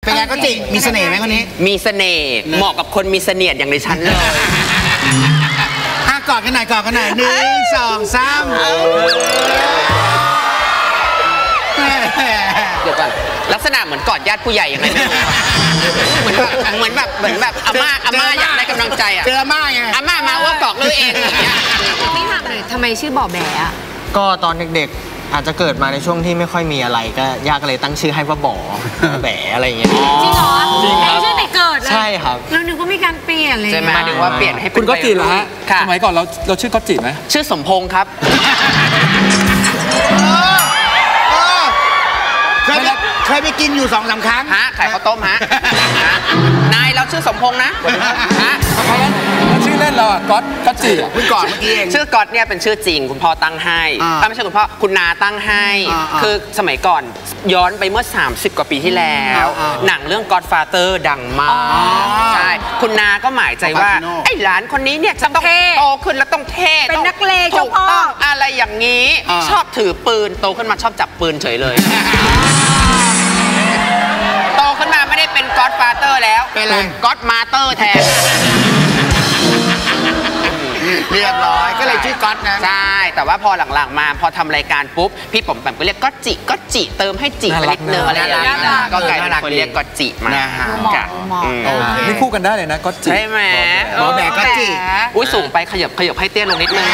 เป็นไงก็จิมีเสน่ห์ไหมคนนี้มีเสน่ห์เหมาะกับคนมีเสน่ห์อย่างในฉันเลยกอดกันหน่อย1 2 3 เดี๋ยวก่อนลักษณะเหมือนกอดญาติผู้ใหญ่ยังไงไม่รู้เหมือนแบบอาม่าอยากได้กำลังใจอ่ะเจออาม่าไงอาม่ามาว่ากอกเลยเองไม่ถามเลยทำไมชื่อบ่อแบะก็ตอนเด็กๆอาจจะเกิดมาในช่วงที่ไม่ค่อยมีอะไรก็ย่าก็เลยตั้งชื่อให้ว่าบ่อแบะอะไรอย่างเงี้ยจริงเหรอจริงครับชื่อแต่เกิดเลยใช่ครับเรานึกว่ามีการเปลี่ยนเลยใช่ไหมนึกว่าเปลี่ยนให้คุณก็จีเหรอฮะสมัยก่อนเราชื่อก็จีไหมชื่อสมพงษ์ครับเคยไปกินอยู่2-3 ครั้งฮะขายข้าวต้มฮะนายเราชื่อสมพงษ์นะฮะแล้วชื่อเล่นเราก็จีคุณก่อนเมื่อกี้เองชื่อก๊อตเนี่ยเป็นชื่อจริงคุณพ่อตั้งให้ไม่ใช่คุณพ่อคุณนาตั้งให้คือสมัยก่อนย้อนไปเมื่อ30 กว่าปีที่แล้วหนังเรื่อง Godfather ดังมากใช่คุณนาก็หมายใจว่าไอ้หลานคนนี้เนี่ยจะต้องโตขึ้นแล้วต้องเท่เป็นนักเลงถูกต้องอะไรอย่างนี้ชอบถือปืนโตขึ้นมาชอบจับปืนเฉยเลยโตขึ้นมาไม่ได้เป็น Godfather แล้วเป็น Godmother แทนเรียบร้อยก็เลยชื่อก๊อตนะใช่แต่ว่าพอหลังๆมาพอทำรายการปุ๊บพี่ผมแบบก็เรียกก็จิเติมให้จิไปนิดนึงอะไรอย่างเงี้ยก็กลายเป็นคนเรียกก็จิมานี่คู่กันได้เลยนะก็จิใช่ไหมบ่อแบะก็จิอุ้ยสูงไปขยับให้เตี้ยลงนิดนึง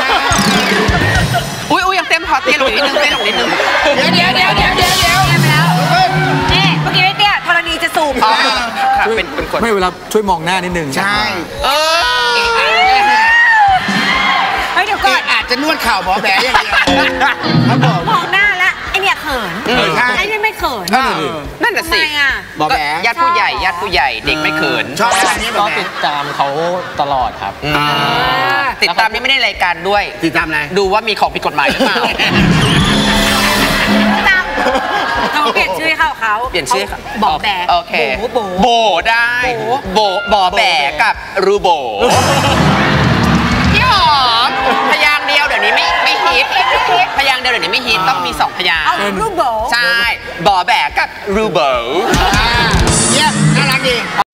อุ้ยยังเต็มพอเตี้ยลงนิดนึงเตี้ยลงนิดนึงเดี๋ยวไปแล้วนี่เมื่อกี้ไม่เตี้ยธรณีจะสูบเป็นคนไม่เวลาช่วยมองหน้านิดนึงใช่เดี๋ยวก่อนอาจจะนวดเข่าบ่อแบะอย่างเดียวครับผมมองหน้าแล้วไอเนี่ยเขินไอเนี่ยไม่เขินนั่นน่ะสิบ่อแบะญาติผู้ใหญ่เด็กไม่เขินชอบอะไรนี้ก็ติดตามเขาตลอดครับติดตามนี่ไม่ได้รายการด้วยติดตามอะไรดูว่ามีของผิดกฎหมายหรือเปล่าเขาเปลี่ยนชื่อให้เขาเปลี่ยนชื่อบ่อแบะโอเคโบได้บ่อแบะกับรูโบพี่หอมพยางเดียวเดี๋ยวนี้ไม่ฮิตพยางเดียวเดี๋ยวนี้ไม่ฮิตต้องมี2 พยางรูโบใช่บ่อแบะกับรูโบเยี่ยมน่ารักดี